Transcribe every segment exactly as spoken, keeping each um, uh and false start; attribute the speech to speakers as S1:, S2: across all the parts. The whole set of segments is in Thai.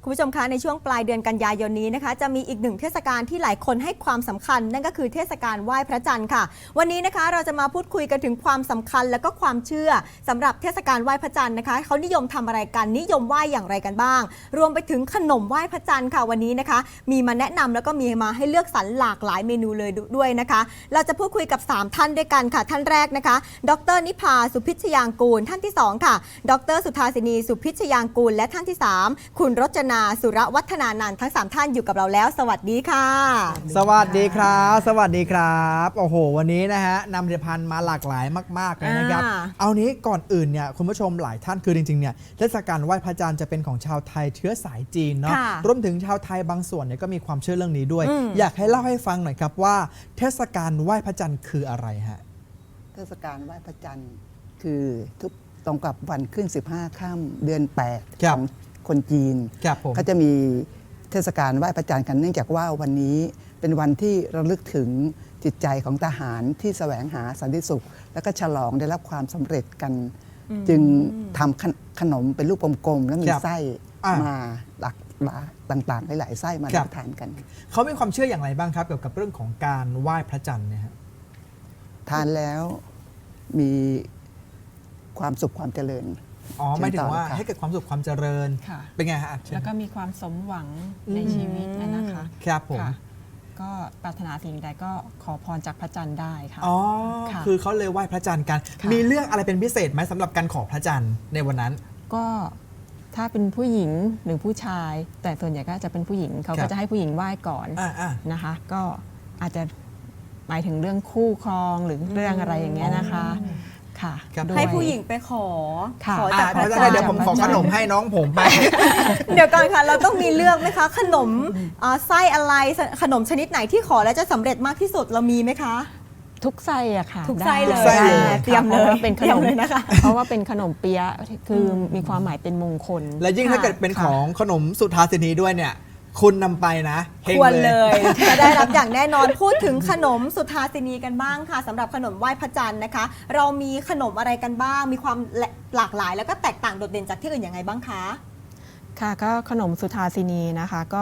S1: คุณผู้ชมคะในช่วงปลายเดือนกันยายนนี้นะคะจะมีอีกหนึ่งเทศกาลที่หลายคนให้ความสำคัญนั่นก็คือเทศกาลไหว้พระจันทร์ค่ะวันนี้นะคะเราจะมาพูดคุยกันถึงความสำคัญและก็ความเชื่อสำหรับเทศกาลไหว้พระจันทร์นะคะเขานิยมทำอะไรกันนิยมไหว้อย่างไรกันบ้างรวมไปถึงขนมไหว้พระจันทร์ค่ะวันนี้นะคะมีมาแนะนำแล้วก็มีมาให้เลือกสรรหลากหลายเมนูเลยด้วยนะคะเราจะพูดคุยกับสามท่านด้วยกันค่ะท่านแรกนะคะดร.นิพาสุพิชยางกูลท่านที่สองค่ะดร.สุธาสินีสุพิชยางกูลและท่านที่สามคุณรจนาสุรวัฒนานันท์ทั้งสามท่านอยู่กับเราแล้วสวัสดีค่ะ
S2: สวัสดีครับสวัสดีครับโอ้โหวันนี้นะฮะนำผลิตภัณฑ์มาหลากหลายมากๆเลยนะครับเอานี้ก่อนอื่นเนี่ยคุณผู้ชมหลายท่านคือจริงๆเนี่ยเทศกาลไหว้พระจันทร์จะเป็นของชาวไทยเชื้อสายจีนเนาะรวมถึงชาวไทยบางส่วนเนี่ยก็มีความเชื่อเรื่องนี้ด้วยอยากให้เล่าให้ฟังหน่อยครับว่าเทศกาลไหว้พระจันทร์คืออะไรฮะ
S3: เทศกาลไหว้พระจันทร์คือทุกตรงกับวันขึ้นสิบห้าค่ำเดือนแปดของคนจีนก็จะมีเทศกาลไหว้พระจันทร์กันเนื่องจากว่าวันนี้เป็นวันที่ระลึกถึงจิตใจของทหารที่แสวงหาสันติสุขแล้วก็ฉลองได้รับความสำเร็จกันจึงทำขนมเป็นรูปกลมๆแล้วมีไส้มาหลากหลายต่างๆหลายๆไส้มารับประทานกัน
S2: เขามีความเชื่ออย่างไรบ้างครับเกี่ยวกับเรื่องของการไหว้พระจันทร์เนี่ย
S3: ทานแล้วมีความสุขความเจริญ
S2: อ๋อไม่ถึงว่าให้เกิดความสุขความเจริญเป็นไงฮะ
S4: แล้วก็มีความสมหวังในชีวิตนะคะ
S2: ครับผม
S4: ก็ปรารถนาสิ่งใดก็ขอพรจากพระจันทร์ได้ค่ะ
S2: อ๋อคือเขาเลยไหว้พระจันทร์กันมีเรื่องอะไรเป็นพิเศษไหมสำหรับการขอพระจันทร์ในวันนั้น
S4: ก็ถ้าเป็นผู้หญิงหรือผู้ชายแต่ส่วนใหญ่ก็จะเป็นผู้หญิงเขาก็จะให้ผู้หญิงไหว้ก่อนนะคะก็อาจจะหมายถึงเรื่องคู่ครองหรือเรื่องอะไรอย่างเงี้ยนะคะ
S1: ให้ผู้หญิงไปขอ
S2: ขอจากพระจันทร์เดี๋ยวผมขอขนมให้น้องผมไป
S1: เดี๋ยวก่อนค่ะเราต้องมีเลือกไหมคะขนมไส้อะไรขนมชนิดไหนที่ขอแล้วจะสำเร็จมากที่สุดเรามีไหมคะ
S4: ทุกไส้อะค่ะ
S1: ทุกไส้เลย
S4: เตรียมเลยเป็นขนมเลยนะคะเพราะว่าเป็นขนมเปี๊ยะคือมีความหมายเป็นมงคล
S2: และยิ่งถ้าเกิดเป็นของขนมสุทาสินีด้วยเนี่ยคุณนำไปนะ
S1: ควรเลยจะได้รับอย่างแน่นอนพูดถึงขนมสุทาสินีกันบ้างค่ะสำหรับขนมไหว้พระจันทร์นะคะเรามีขนมอะไรกันบ้างมีความหลากหลายแล้วก็แตกต่างโดดเด่นจากที่อื่นยังไงบ้างคะ
S4: ค่ะก็ขนมสุทาสินีนะคะก็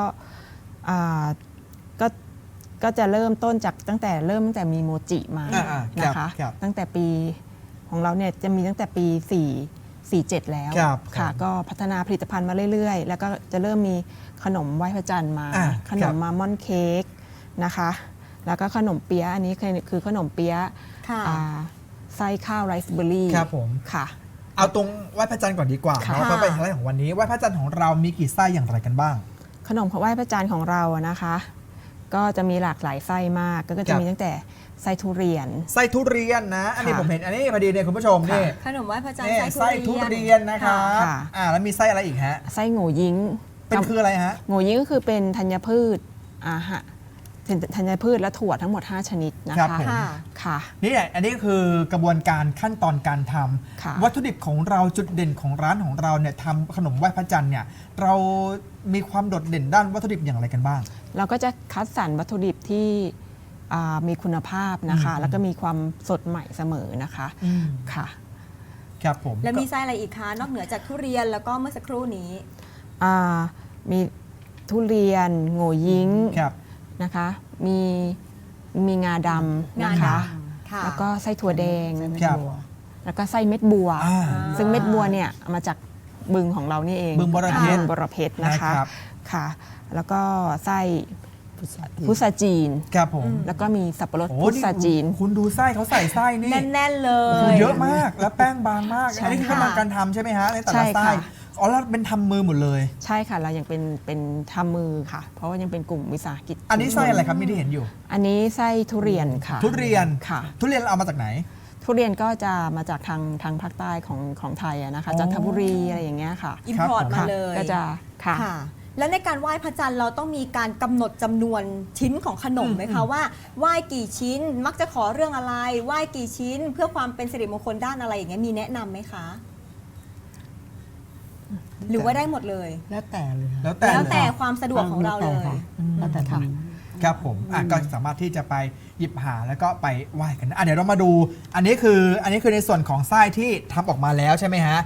S4: ก็ก็จะเริ่มต้นจากตั้งแต่เริ่มตั้งแต่มีโมจิมานะคะตั้งแต่ปีของเราเนี่ยจะมีตั้งแต่ปีสี่สี่เจ็ดแล้วค่ะก็พัฒนาผลิตภัณฑ์มาเรื่อยๆแล้วก็จะเริ่มมีขนมไหว้พระจันทร์มาขนมมามอนเค้กนะคะแล้วก็ขนมเปี๊ยะอันนี้คือขนมเปี๊ยะไส้ข้าวไรซ์เบอร์รี่
S2: ครับผม
S4: ค่ะ
S2: เอาตรงไหว้พระจันทร์ก่อนดีกว่าเนาะเพราะเป็นไฮไลท์ของวันนี้ไหว้พระจันทร์ของเรามีกี่ไส้อย่างไรกันบ้าง
S4: ขนมไหว้พระจันทร์ของเรานะคะก็จะมีหลากหลายไส้มากก็จะมีตั้งแต่ไส้ทุเรียน
S2: ไส้ทุเรียนนะอันนี้ผมเห็นอันนี้พอดีเนี่ยคุณผู้ชมนี่
S1: ขนมไหว้พระจันทร์ไ
S2: ส้ทุเรียนนะคะอ่าแล้วมีไส้อะไรอีกฮะ
S4: ไส้โง่ยิ้ง
S2: เป็นคืออะไรฮะ
S4: โง่ยิ้งก็คือเป็นธัญพืชอาหารธัญพืชและถั่วทั้งหมดห้าชนิดนะคะ
S2: ค่ะนี่แหละอันนี้คือกระบวนการขั้นตอนการทำวัตถุดิบของเราจุดเด่นของร้านของเราเนี่ยทำขนมไหว้พระจันทร์เนี่ยเรามีความโดดเด่นด้านวัตถุดิบอย่างไรกันบ้าง
S4: เราก็จะคัดสรรวัตถุดิบที่มีคุณภาพนะคะแล้วก็มีความสดใหม่เสมอนะคะค่ะ
S2: ครับผม
S1: แล้วมีไส้อะไรอีกคะนอกเหนือจากทุเรียนแล้วก็เมื่อสักครู่นี้
S4: มีทุเรียนโง่ยิ้งนะคะมีมีงาดำนะคะแล้วก็ไส้ถั่วแดงแล้วก็ไส้เม็ดบัวซึ่งเม็ดบัวเนี่ยมาจากบึงของเรานี่เอง
S2: บึงบรเพชร
S4: บรเพชรนะคะค่ะแล้วก็ไส้พุทราจีน
S2: ครับผม
S4: แล้วก็มีสับปะรดพุทราจีน
S2: คุณดูไส้เขาใส่ไส้นี่
S1: แน่นๆเลย
S2: เยอะมากแล้วแป้งบางมากอันนี้คือกำลังการทำใช่ไหมฮะในแต่ละไส้อ๋อแล้วเป็นทำมือหมดเลย
S4: ใช่ค่ะเรายังเป็นเป็นทำมือค่ะเพราะว่ายังเป็นกลุ่มวิสาหกิจ
S2: อันนี้ไส้อะไรครับมีที่เห็นอยู่
S4: อันนี้ไส้ทุเรียนค่ะ
S2: ทุเรียน
S4: ค่ะ
S2: ทุเรียนเอามาจากไหน
S4: ทุเรียนก็จะมาจากทางทางภาคใต้ของของไทยนะคะจันทบุรีอะไรอย่างเงี้ยค่ะ
S1: อิมพอร์ตมาเลย
S4: ก็จะค่ะ
S1: แล้วในการไหว้พระจันทร์เราต้องมีการกำหนดจำนวนชิ้นของขนมไหมคะว่าไหว้กี่ชิ้นมักจะขอเรื่องอะไรไหว้กี่ชิ้นเพื่อความเป็นสิริมงคลด้านอะไรอย่างเงี้ยมีแนะนำไหมคะหรือว่าได้หมดเลย
S3: แล้วแต่เลย
S1: แล้วแต่แล้วแต่ความสะดวกของเราเลย
S3: แล้วแต่ค่ะ
S2: ครับผมอ่ะก็สามารถที่จะไปหยิบหาแล้วก็ไปไหว้กันอ่ะเดี๋ยวเรามาดูอันนี้คืออันนี้คือในส่วนของไส้ที่ทำออกมาแล้วใช่ไหมฮะ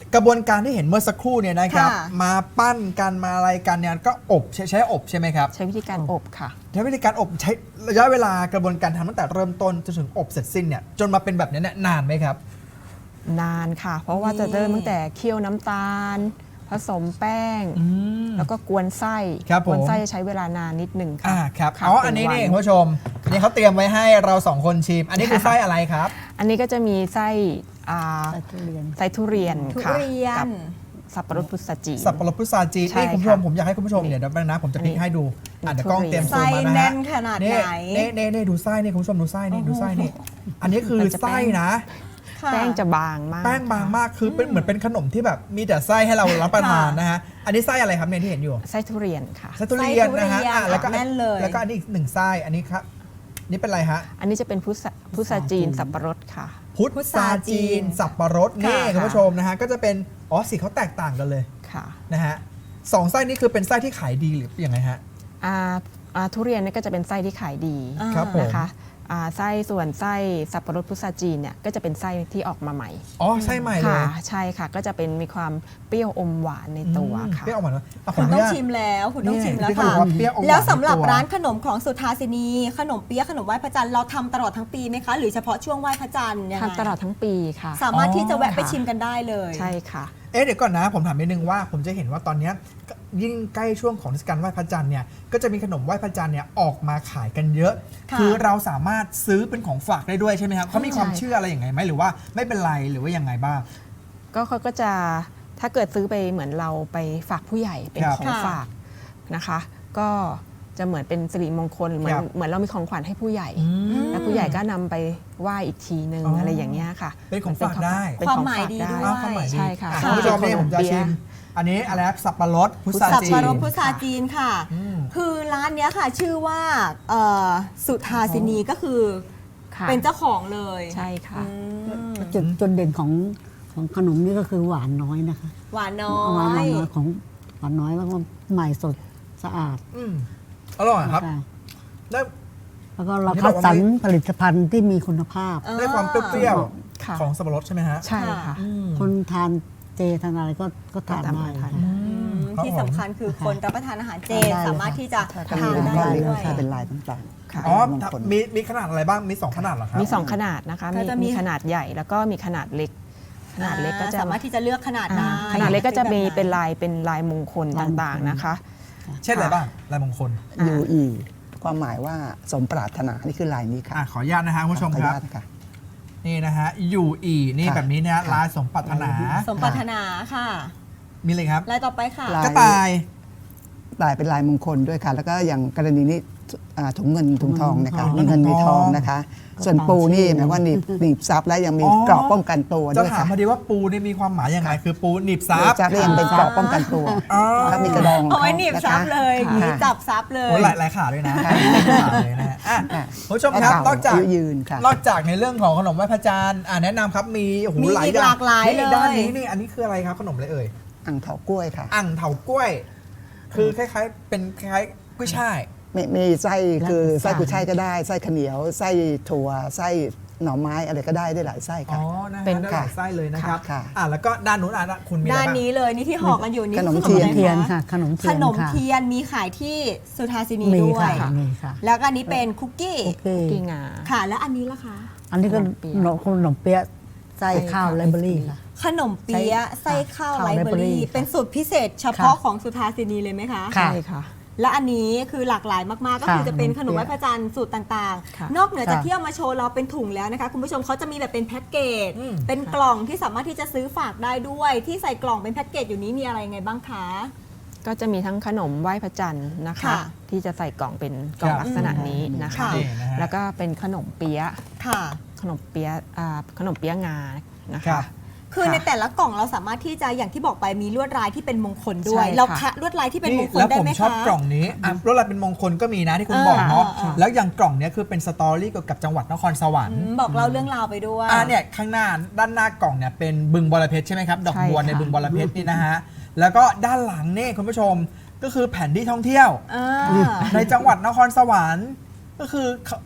S2: กระบวนการที่เห็นเมื่อสักครู่เนี่ยนะครับ
S1: ค่ะ
S2: มาปั้นกันมาอะไรกันเนี่ยก็อบใช้ใช้อบใช่ไหมครับ
S4: ใช้วิธีการอบค่ะ
S2: ใช้วิธีการอบใช้ระยะเวลากระบวนการทำตั้งแต่เริ่มต้นจนถึงอบเสร็จสิ้นเนี่ยจนมาเป็นแบบนี้เนี่ยนานไหมครับ
S4: นานค่ะ เพราะว่าจะเริ่มตั้งแต่เคี่ยวน้ำตาล ผสมแป้ง แล้วก็กวนไส้
S2: ครับผม
S4: กวนไส้จะใช้เวลานานนิดหนึ่งค่ะ
S2: อ่าครับ
S4: ค่ะ
S2: อ๋อ
S4: เป็
S2: อันนี้
S4: วั
S2: นี่คุณผู้ชมอันนี้เขาเตรียมไว้ให้เราสองคนชิม อันนี้คือไส้อะไรครับ
S4: อันนี้ก็จะมีไส้อ่า
S3: ไส้ทุเรียน
S4: ไส้ทุเรียน
S1: ทุ
S4: ค่ะ
S1: เรีย
S4: กัน บสับปะรดพุทราจีน
S2: สับปะรดพุทราจีน
S4: ใช่
S2: นี่คุณผู้ชม
S4: ค่ะ
S2: ผมอยากให้คุณผู้ชมเดี๋ยวเดี๋ยวแป๊บนะผมจะพลิกให้ดูอ่ะเดี๋ยวกล้อง
S4: ทุเรี
S2: เตรี
S4: ย
S2: ย
S4: น
S2: มซูมมานะ
S1: ไส้แน่
S2: ฮะ
S1: นขนาด
S2: นี่
S1: ไหน
S2: นี่นี่นี่ดูไส้นี่คุณผู้ชมดูไส้นี่ดูไส้นี่อันนี้คือ
S4: มันจะแป้ง
S2: ไส้นะ
S1: ค่ะ
S4: แป้งจะบางมาก
S2: แป้งบางมากคือเป็นเหมือนเป็นขนมที่แบบมีแต่ไส้ให้เรารับประทานนะฮะอันนี้ไส้อะไรครับเนี่ยที่เห็นอยู่
S4: ไส้ทุเรียนค่ะ
S2: ไส้ทุเรียนนะฮะ
S1: ไส้ทุเรียน
S2: อ่ะแล้วก็
S1: แน่นเลย
S2: แล้วก็อันนี้อีกหนึ่งไส้อันนี้ครับนี่เป็นอะไรฮะ
S4: อันนี้จะเป็นพุทราพุทราจีนสับปะรดค่ะ
S2: พุทราจีนสับปะรดนี่
S1: ค่ะ
S2: คุณผู้ชมนะฮะก็จะเป็นอ๋อสีเขาแตกต่างกันเลย
S4: ค่ะ
S2: นะฮะสองไส้นี้คือเป็นไส้ที่ขายดีหรือยังไงฮะ
S4: อ่าอ่าทุเรียนเนี่ยก็จะเป็นไส้ที่ขายดี
S1: อ่า
S2: ครับผม
S4: นะคะอ่าไส้ส่วนไส้สับปะรดพุทราจีนเนี่ยก็จะเป็นไส้ที่ออกมาใหม่
S2: อ๋อไส้ใหม่เล
S4: ค่ะ
S2: ย
S4: ใช่ค่ะก็จะเป็นมีความเปรี้ยวอมหวานในตัว
S2: อืม
S4: ค่ะ
S2: เปรี้ยวออกมาแล้วะ
S1: คุณ
S2: ข
S1: ต้อง
S2: นุญา
S1: ชิมแล้วคุณต้อง
S2: นี่
S1: ชิมแล้ว
S2: ที่เขา
S1: ค่ะ
S2: บอกว่าเปรี้ยวอมหวาน
S1: แล้วสำหรับ
S2: ในตัว
S1: ร้านขนมของสุทาสินีขนมเปี๊ยะขนมไหว้พระจันทร์เราทำตลอดทั้งปีไหมคะ หรือเฉพาะช่วงไหว้พระจันทร์ยังไง
S4: ทำตลอดทั้งปีค่ะ
S1: สามารถที่จะแวะไป
S4: ค่ะ
S1: ชิมกันได้เลย
S4: ใช่ค่ะ
S2: เอ๊ะเดี๋ยวก่อนนะผมถามนิดนึงว่าผมจะเห็นว่าตอนเนี้ยยิ่งใกล้ช่วงของเทศกาลไหว้พระจันทร์เนี่ยก็จะมีขนมไหว้พระจันทร์เนี่ยออกมาขายกันเยอะ
S1: ค่ะ
S2: คือเราสามารถซื้อเป็นของฝากได้ด้วยใช่ไหมครับเขามีความ
S4: ใช่
S2: เชื่ออะไรอย่างไงไหมหรือว่าไม่เป็นไรหรือว่ายังไงบ้าง
S4: ก็เขาก็จะถ้าเกิดซื้อไปเหมือนเราไปฝากผู้ใหญ่เป็น
S2: ครับ
S4: ของ
S1: ค่ะ
S4: ฝากนะคะ ก็จะเหมือนเป็นสิริมงคลเหมือน
S2: ครับ
S4: เหมือนเรามีของขวัญให้ผู้ใหญ่ แล้วผู้ใหญ่ก็นำไปไหว้อีกทีนึง
S2: อ๋ออ
S4: อะไรอย่างเงี้ยค่ะ
S2: เป็นของฝากได้
S4: เป็น
S1: ความ
S4: ของ
S1: หมาย
S4: ฝาก
S1: ดี
S4: ได้
S1: ด้วย
S2: อ้าวความหมายดี
S4: ใช่ค่ะ
S2: อ่
S4: ใช่
S2: คุณผู้ชมนี่
S4: ขน
S2: ผม มจะ
S4: เปี๊ยะ
S2: ชิมอันนี้อะไรครับสับปะรดพุทรา
S1: สับ
S2: จี
S1: ปะ
S2: น
S1: รดพุทราจีนค่ะ
S2: อืม
S1: คือร้านเนี้ยค่ะ ชื่อว่าเอ่อสุทาสินีก็คือ
S4: ค่ะ
S1: เป็นเจ้าของเลย
S4: ใช่ค่ะ
S1: อืม
S5: จุดจุดเด่นของของขนมนี่ก็คือหวานน้อยนะคะ
S1: หวานน้อ
S5: หวาน
S1: ย
S5: น้อยของหวานน้อยแล้วก็ใหม่สดสะอาด
S2: อืมอร่อยครับ
S5: ค่ะ
S2: ได้
S5: แล้วก็เรา
S2: ที่
S5: คั
S2: บ
S5: ด
S2: อกว่า
S5: สรร
S2: ไม่
S5: ผลิตภัณฑ์ที่มีคุณภาพ
S2: ได้ความเปรี้ยว
S4: ค่ะ
S2: ๆของสับปะรดใช่ไหมฮะ
S4: ใช่ค่ะ
S2: อืม
S5: คนทานเจทานอะไรก็ก็ทาน
S4: ก็ทาน
S5: ได้
S4: ทาน
S5: ค่ะ
S1: อืม
S2: ครับ
S1: ที่สำคัญคือคนรับประทานอาหารเจ
S5: ทานได้เลย
S1: สามารถที่จะ
S3: ถ้า
S1: ทาน
S3: เป็น
S1: ได้
S3: ลาย
S1: ด้วย
S3: ถ้าเป็นลายต่าง
S4: ค่ะ
S2: อ๋อ
S3: มงคล
S2: มีมีขนาดอะไรบ้างมีสองขนาดเหรอครับ
S4: มีสองขนาดนะคะ
S1: ก็
S4: มี
S1: จะมี
S4: มีขนาดใหญ่แล้วก็มีขนาดเล็ก ขนาดเล็กก็จะ
S1: สามารถที่จะเลือกขนาดได้
S4: อ่าขนาดเล็กก็จะมี
S1: แบบไห
S4: เป็นลายเป็นลายมงคลต่างๆนะคะ
S2: เช่นอะไรบ้างลายมงคล
S3: ๆ ยูอีความหมายว่าสมปรารถนานี่คือลายนี้ค่ะ
S2: อ่ะขออนุญาตนะฮะคุณผู้ชม
S3: ขออ
S2: ค
S3: นุ
S2: รับ
S3: ญาตค่ะ
S2: นี่นะฮะยูอีนี่
S3: ค่ะ
S2: แบบนี้นะฮะ
S3: ค่ะ
S2: ลายสมปรารถนา
S1: สมปรารถนาค่ะ
S2: มีเลยครับ
S1: ลายต่อไปค่ะ
S3: ลาย
S2: กระต่าย
S3: ลายเป็นลายมงคลด้วยค่ะ แล้วก็อย่างกรณีนี้อ่าถุงเงินถุงทองนะคะ
S2: ถุงเงิ
S3: มี
S2: น
S3: เงินมี
S2: ถุง
S3: ท
S2: ท
S3: อ
S2: อง
S3: งนะคะ ส่วนปูนี่หมายว่าหนีบหนีบซับและยังมี
S2: อ๋อ
S3: เกราะป้องกันตัว
S2: จะ
S3: ด้วย
S2: ถาม
S3: ค่ะ
S2: พอดีว่าปูนี่มีความหมายยังไงคือปูหนีบซับ
S3: ซับและยังเป็นเกราะป้องกันตัว
S2: อ๋อ
S3: แล้วมีกระดอง
S1: เอาไว้หนีบซับเลย
S3: ค่ะ
S1: หนีบจับซับเลย
S2: โอ้หลายหลายขาด้วยนะหลายขาเลยนะฮะอ่ะ
S3: ค่ะ
S2: คุณผู้ชมครับนอกจาก
S3: ยืยืนค่ะ
S2: นอกจากในเรื่องของขนมไหว้พระจันทร์อ่ะแนะนำครับมีโอ้โห
S1: มี
S2: หลาย
S1: อีก
S2: อย่า
S1: ห
S2: ง
S1: ลากหลาย
S2: นี่
S1: เลย
S2: ด้านนี้นี่อันนี้คืออะไรครับขนมอะไรเอ่ย
S3: อ่างเถากล้วยค่ะ
S2: อ่างเถากล้วย คือคล้ายๆ เป็นคล้ายๆกุ้ยช่าย
S3: มีมีไส้คือ
S5: แล้วแต่
S3: ไส้กุยช่ายก็ได้ไส้ข้าวเหนียวไส้ถั่วไส้หน่อไม้อะไรก็ได้ได้หลายไส้
S2: อ๋
S3: ค่ะ
S2: อนะฮะ
S4: เป็น
S2: ได้หลายไส้เลยนะครับ
S3: ค่ะ
S2: อ่ะแล้วก็ด้านนู้นอ่ะคุณมีอะไร
S1: ด้าน
S2: บ้าง
S1: นี้เลยนี่ที่ห่อกันอยู่นี่
S3: ขนม
S1: คือ
S3: เทียน
S1: อะไร
S5: เทียนค่ะ ขนมเที
S1: ข
S5: ยน
S1: นม
S5: ค่ะ
S1: เทียนมีขายที่สุทาสินี
S5: มี
S1: ด้วย
S5: ค่ะมีค่ะ
S1: แล้วก็อันนี้เป็นคุกกี้
S5: โอเค
S4: กีงา
S1: ค่ะ แล้วอันนี้ล่ะคะ
S5: อันนี้ก็
S4: ขนมเปี๊ยะ
S5: ขนมขนมเปี๊ยะไส้
S4: ไส้
S5: ข้าว
S4: ข้าว
S5: ไรเบอรี่ค่ะ
S1: ขนมเปี๊ยะ
S5: ใช่
S1: ไส้ข้าว
S5: ข้าว
S1: ไรเบอ
S5: Library
S1: รี่
S5: ค่ะ
S1: เป็นสูตรพิเศษเฉพาะ
S5: ค่ะ
S1: ของสุทาสินีเลยไหมคะ
S5: ค่ะ
S4: ใช่ค่ะ
S1: และอันนี้คือหลากหลายมากๆ ก็คือ
S5: ค่ะ
S1: จะเป็นขนมไหว้
S5: ขนมเปี๊ยะ
S1: พระจันทร์สูตรต่าง
S4: ค่ะ
S1: ๆ นอกเหนือจาก
S5: ค่ะ
S1: ที่เอามาโชว์เราเป็นถุงแล้วนะคะ คุณผู้ชมเขาจะมีแบบเป็นแพ็กเกจ
S2: อืม
S1: เป็นกล่องที่สามารถที่จะซื้อฝากได้ด้วย ที่ใส่กล่องเป็นแพ็กเกจอยู่นี้มีอะไรยังไงบ้างคะ
S4: ก็จะมีทั้งขนมไหว้พระจันทร์นะคะ
S1: ค่ะ
S4: ที่จะใส่กล่องเป็นกล่อง
S2: ครับ
S4: ลักษณะนี้นะคะ
S1: ค่ะ
S2: นี่นะฮะ
S4: แล้วก็เป็นขนมเปี๊ยะ
S1: ค่ะ
S4: ขนมเปี๊ยะอ่าขนมเปี๊ยะงานะ
S2: ครั
S4: คะ
S2: บ
S1: คือ
S4: ค่ะ
S1: ในแต่ละกล่องเราสามารถที่จะอย่างที่บอกไปมีลวดลายที่เป็นมงคลด้วย
S4: ใช่ค่ะ
S1: เราคะลวดลายที่เป็นม
S2: นี่
S1: งคล
S2: แล้ว
S1: ได้
S2: ผม
S1: ไหม
S2: ชอบ
S1: คะ
S2: กล่องนี้อ่ะรถอะไรเป็นมงคลก็มีนะที่คุณ
S1: เออ
S2: บอกเนาะ
S1: เออเออ
S2: แล้วอย่างกล่องเนี้ยคือเป็นสตอรี่เกี่ยวกับจังหวัดนครสวรร
S1: อื
S2: ค์
S1: มบอกเล่าเรื่องราวไปด้วย
S2: อ่าเนี่ยข้างหน้าด้านหน้ากล่องเนี่ยเป็นบึงบรเพชรใช่ไหมครับ ดอก
S4: ใช่
S2: บัว
S4: ค่ะ
S2: ในบึงบรเพชรนี่นะฮะแล้วก็ด้านหลังนี่คุณผู้ชมก็คือแผนที่ท่องเที่ยว
S1: อ่า
S2: ในจังหวัดนครสวรรค์ก็คือเขา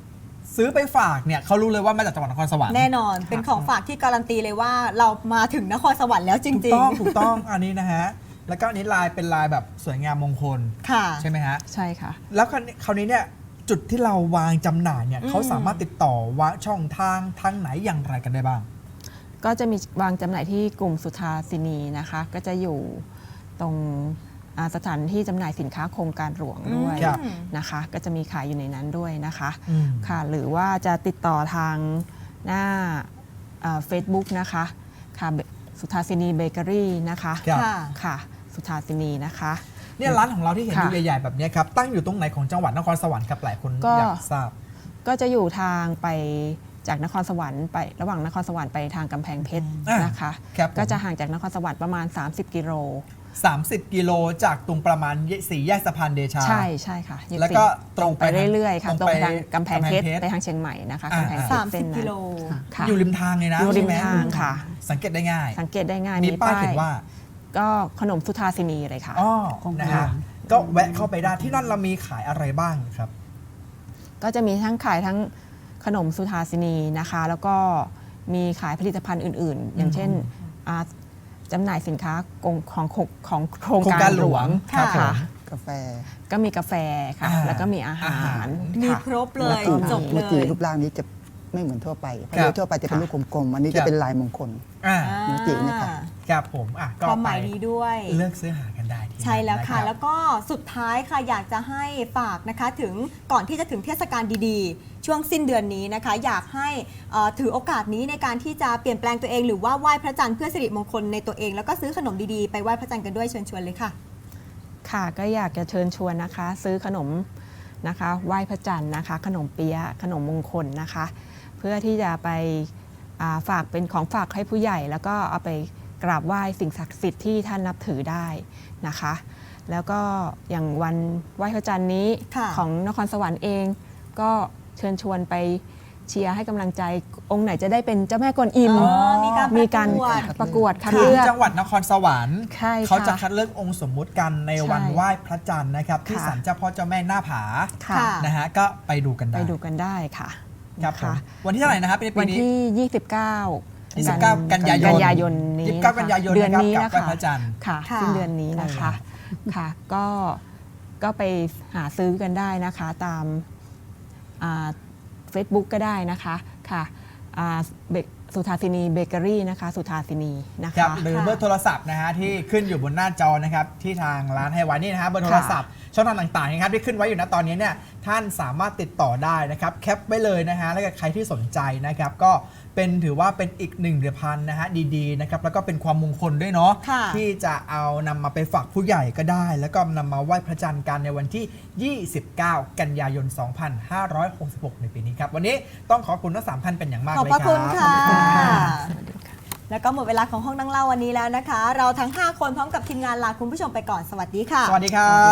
S2: ซื้อไปฝากเนี่ยเขารู้เลยว่ามาจากจังหวัดนครสวรรค์
S1: แน่นอนเป็นของฝากที่การันตีเลยว่าเรามาถึงนครสวรรค์แล้วจ
S2: ถูก
S1: ริง
S2: ต้องถูกต้องอันนี้นะฮะแล้วก็อันนี้ลายเป็นลายแบบสวยงามมงคล
S1: ๆ ค่ะ
S2: ใช่ไหมฮะ
S4: ใช่ค่ะ
S2: แล้วคราวนี้คราวนี้เนี่ยจุดที่เราวางจำหน่ายเนี่ย
S1: อืม
S2: เขาสามารถติดต่อว่าช่องทางทางไหนอย่างไรกันได้บ้าง
S4: ก็จะมีวางจำหน่ายที่กลุ่มสุทาสินีนะคะ ก็จะอยู่ตรงอ่าสถานที่จำหน่ายสินค้าโครงการหลวงด้วย
S2: ครับ
S4: นะคะ ก็จะมีขายอยู่ในนั้นด้วยนะคะ
S2: อืม
S4: ค่ะหรือว่าจะติดต่อทางหน้าเฟซบุ๊กนะคะค่ะสุทาสินีเบเกอรี่นะคะ
S2: ครับ
S1: ค่ะ
S4: ค่ะสุทาสินีนะคะ
S2: เนี่ยร้านของเราที่เห็นอ
S4: ค่ะ
S2: ยู่ใหญ่ๆแบบเนี้ยครับตั้งอยู่ตรงไหนของจังหวัดนครสวรรค์ครับหลายคน
S4: ก็
S2: อยากทราบ
S4: ก็จะอยู่ทางไปจากนครสวรรค์ไประหว่างนครสวรรค์ไปทางกำแพงเพชร
S2: อ่าน
S4: นะคะ
S2: ครับผม
S4: ก็จะห่างจากนครสวรรค์ประมาณ สามสิบ กิโล
S2: สามสิบกิโลจากตรงประมาณสี่แยกสะพานเดชา
S4: ใช่ใช่ค่ะยี่สิบ
S2: แล้วก็ตรง
S4: ไป
S2: ไปทาง
S4: เรื่อยๆค่ะ
S2: ต
S4: ต
S2: ร
S4: รง ง
S2: ไป
S4: ไปทางกำแพงเพชร
S2: กำแพงเพชร
S4: ไปทางเชียงใหม่นะคะ
S2: อ่า
S4: กำแพงเพชร
S1: สามสิบ
S4: เส้นนั้น
S1: กิโล
S4: ค่ะ
S2: อยู่ริมทางเลยนะ
S4: อยู่ริม
S2: ใช่ไห
S4: ทางค่ะ
S2: สังเกตได้ง่าย
S4: สังเกตได้ง่าย
S2: มีป้ายเขียนว่า
S4: ก็ขนมสุทาสินีเลยค่ะ
S2: อ๋อ
S5: ของ
S2: นะ
S5: ห
S2: ฮะ
S5: วาน
S2: ก็แวะเข้าไปได้ที่นั่นเรามีขายอะไรบ้างครับ
S4: ก็จะมีทั้งขายทั้งขนมสุทาสินีนะคะ แล้วก็มีขายผลิตภัณฑ์อื่น ๆ อย่างเช่นอ่าจำหน่ายสินค้าของของของโครง
S2: โครง
S4: กา
S2: การ ร
S4: ห
S2: ห
S4: ล
S2: ล
S4: ว
S2: ว
S4: ง
S2: งครับ
S4: ค่ะ
S3: กาแฟ
S4: ก็มีกาแฟค่ะ
S2: อ่า
S4: แล้วก็มีอาหา
S2: อาหาร
S4: ร
S1: มี
S4: ค่ะ
S1: ครบเลย
S3: ก็
S1: จบเล
S3: เมื่อกี้
S1: ย
S3: รูปร่างนี้จะไม่เหมือนทั่วไปเพราะ
S2: ครับ
S3: โดยทั่วไปจะเป็นลูกกลมๆอันนี้
S2: ครั
S3: จะ
S2: บ
S3: เป็นลายมงคล
S2: อ่า
S1: อ่า
S3: เมื่อกี้นะครับ
S2: ครับผมอ่ะก็
S1: ความห
S2: ไป
S1: มายดีด้วย
S2: เลือกซื้อหากันได้ที่
S1: ใช่แล้วค่ะ
S2: นรับ
S1: แล้วก็สุดท้ายค่ะอยากจะให้ฝากนะคะถึงก่อนที่จะถึงเทศกาลดีๆ ช่วงสิ้นเดือนนี้นะคะ อยากให้เอ่อถือโอกาสนี้ในการที่จะเปลี่ยนแปลงตัวเองหรือว่าไหว้พระจันทร์เพื่อสิริมงคลในตัวเอง แล้วก็ซื้อขนมดีๆไปไหว้พระจันทร์กันด้วยเชิญชวนเลยค่ะ
S4: ค่ะก็อยากจะเชิญชวนนะคะ ซื้อขนมนะคะไหว้พระจันทร์นะคะ ขนมเปี๊ยะขนมมงคลนะคะ เพื่อที่จะไปอ่าฝากเป็นของฝากให้ผู้ใหญ่ แล้วก็เอาไปกราบไหว้สิ่งศักดิ์สิทธิ์ที่ท่านนับถือได้นะคะ แล้วก็อย่างวันไหว้พระจันทร์นี้
S1: ค่ะ
S4: ของนครสวรรค์เอง ก็เชิญชวนไปเชียร์ให้กำลังใจองค์ไหนจะได้เป็นเจ้าแม่กวนอิม
S1: อ๋อมีการ
S4: มีการ
S1: ประกวด
S4: ประกวดคัด
S2: คือ
S4: เลือก
S2: จังหวัดนครสวรรค์
S4: ใช่ค่ะ
S2: เขาจะคัดเลือกองค์สมมุติกันในวัน
S4: ใช่
S2: ไหว้พระจันทร์นะครับ ที่
S4: ค่ะ
S2: ศาลเจ้าพ่อเจ้าแม่หน้าผา
S4: ค่ะ
S1: ค่ะ
S2: นะฮะก็ไปดูกันได้
S4: ไปดูกันได้ค่ะ
S2: ครับผม
S4: นะะ
S2: วันที่เท่าไหร่นะครับในปี
S4: วัน
S2: นี้
S4: ที่ ยี่สิบเก้า
S2: ยี่สิบเก้ากันยายน
S4: กันยายนนี้
S2: ยี่สิบเก้ากันยายน
S4: เดือน
S2: นะครับ
S4: นี้
S2: กับ
S4: นะ
S2: ไหว้
S4: คะ
S2: พระจันทร์
S4: ค่ะ
S1: ค่ะ
S4: สิ้นเดือนนี้นะคะ ค่ะ ก็ก็ไปหาซื้อกันได้นะคะ ตามเฟซบุ๊กก็ได้นะคะค่ะอ่าเบสุทาสินีเบเกอรี่นะคะสุทาสินีนะ
S2: ครั
S4: คะ
S2: บหรือ
S1: ค่ะ
S2: เบอร์โทรศัพท์นะฮะที่ขึ้นอยู่บนหน้าจอนะครับที่ทางร้านให้ไว้นี่นะฮะเบอร์โทรศัพท์ช่องทางต่างๆนะครับที่ขึ้นไว้อยู่ณตอนนี้เนี่ยท่านสามารถติดต่อได้นะครับแคปไว้เลยนะฮะแล้วก็ใครที่สนใจนะครับก็เป็นถือว่าเป็นอีกหนึ่งเดือนพันนะฮะดีๆนะครับแล้วก็เป็นความมงคลด้วยเนาะ
S1: ค่ะ
S2: ที่จะเอานำมาไปฝากผู้ใหญ่ก็ได้ แล้วก็นำมาไหว้พระจันทร์กันในวันที่ ยี่สิบเก้า กันยายน สองพันห้าร้อยหกสิบหก ในปีนี้ครับวันนี้ต้องขอบคุณทั้งสามท่านเป็นอย่างมาก
S1: ขอบ
S2: เลย
S1: พระ
S2: ค
S1: คุ
S2: รั
S1: ณ
S2: บ
S1: ค่ะ
S4: สวัสดีค่ะ
S1: แล้วก็หมดเวลาของห้องนั่งเล่าวันนี้แล้วนะคะ เราทั้ง ห้า คนพร้อมกับทีมงานลาคุณผู้ชมไปก่อนสวัสดีค่ะ
S2: สวัสดีครับ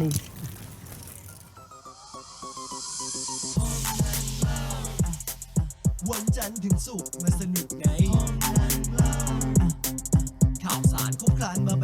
S6: วันจันทร์ถึงศุกร์มาสนุกไงข่าวสารครบครันมา